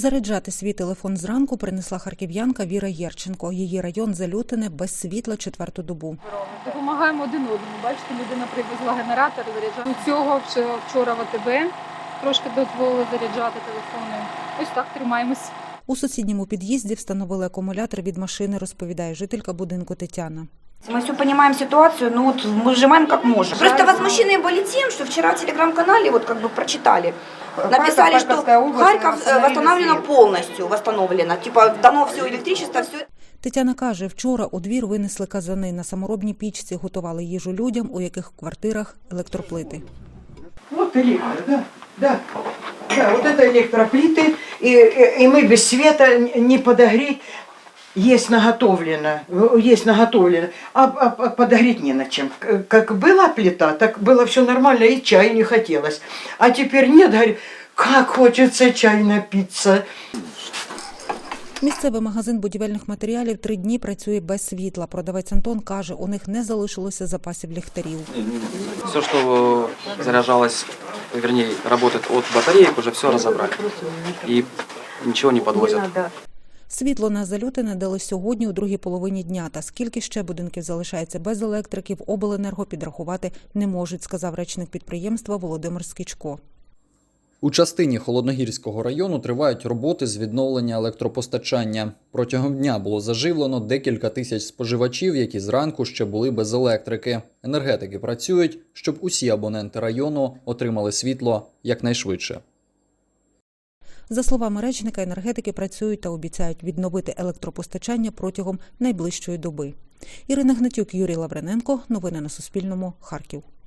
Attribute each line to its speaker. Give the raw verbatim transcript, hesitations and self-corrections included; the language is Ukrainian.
Speaker 1: Заряджати свій телефон зранку принесла харків'янка Віра Єрченко. Її район Залютине без світла четверту добу.
Speaker 2: Допомагаємо один одному. Бачите, людина привезла генератор, заряджати. У цього вчора в АТБ трошки дозволили заряджати телефони. Ось так тримаємось.
Speaker 1: У сусідньому під'їзді встановили акумулятор від машини, розповідає жителька будинку Тетяна.
Speaker 3: Мы все понимаем ситуацию, но вот мы сжимаем как можем. Просто возмущены были тем, что вчера в телеграм-канале вот как бы прочитали. Написали, что Харьков восстановлено полностью, восстановлено. Типа дано все электричество, все.
Speaker 1: Тетяна каже, вчора у двір винесли казани. На саморобній пічці готували їжу людям, у яких в квартирах електроплити.
Speaker 4: Вот электро, да, да. Да, вот это электроплиты, и, и, и мы без света не подогреть. Есть наготовлено, есть наготовлено, а, а подогреть не на чем. Как была плита, так было все нормально, и чай не хотелось. А теперь нет, говорю, как хочется чай напиться.
Speaker 1: Місцевий магазин будівельних матеріалів три дні працює без світла. Продавець Антон каже, у них не залишилося запасів ліхтарів.
Speaker 5: Все, що заряджалось, вернее, работает от батареек, уже все разобрали. І нічого не підвозять.
Speaker 1: Світло на Залютине дали сьогодні у другій половині дня. Та скільки ще будинків залишається без електрики, в обленерго підрахувати не можуть, сказав речник підприємства Володимир Скічко.
Speaker 6: У частині Холодногірського району тривають роботи з відновлення електропостачання. Протягом дня було заживлено декілька тисяч споживачів, які зранку ще були без електрики. Енергетики працюють, щоб усі абоненти району отримали світло якнайшвидше.
Speaker 1: За словами речника, енергетики працюють та обіцяють відновити електропостачання протягом найближчої доби. Ірина Гнатюк, Юрій Лаврененко. Новини на Суспільному. Харків.